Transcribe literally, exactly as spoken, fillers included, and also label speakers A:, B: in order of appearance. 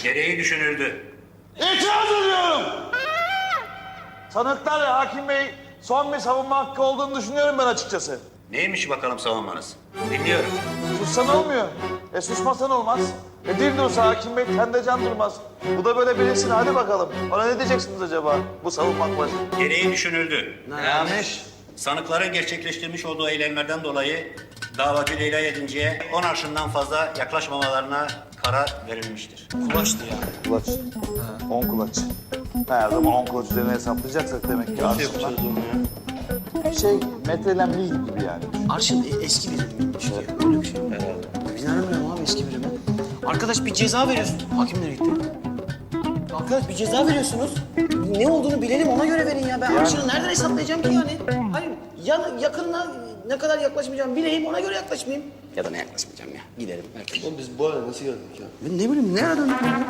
A: Gereği düşünüldü.
B: İtiraz ediyorum. Sanıklar ve hakim bey son bir savunma hakkı olduğunu düşünüyorum ben açıkçası.
A: Neymiş bakalım savunmanız? Dinliyorum.
B: Sussan olmuyor. E susmasan olmaz. E dil dursa hakim bey tende can durmaz. Bu da böyle bilinsin hadi bakalım. Ona ne diyeceksiniz acaba bu savunmak başı?
A: Gereği düşünüldü.
B: Neymiş?
A: Sanıkların gerçekleştirmiş olduğu eylemlerden dolayı davacı Leyla Yedinci'ye on arşından fazla yaklaşmamalarına karar verilmiştir.
C: Kulaçtı ya.
B: Kulaç. On kulaç. Her zaman on kulaç üzerine hesaplayacaksak demek ki
C: Nasıl
B: aslında
C: yapacağız onu ya?
B: şey metrelem mil gibi yani.
C: Arşın e- eski birimiymiş ya. Öyle bir şey. Herhalde. Biz nereden bilelim abi eski birimi? Arkadaş bir ceza veriyorsun. Hakim nereye gitti? Arkadaş bir ceza veriyorsunuz. Ne olduğunu bilelim ona göre verin ya. Ben
B: Yani-
C: arşını nereden hesaplayacağım ki yani? Hayır ya, yakınına ne kadar yaklaşmayacağım bileyim ona göre yaklaşmayayım. Ya da ne yaklaşmayacağım ya. Giderim belki.
D: Oğlum biz bu hale nasıl geldik ya?
C: Ben ne bileyim nereden?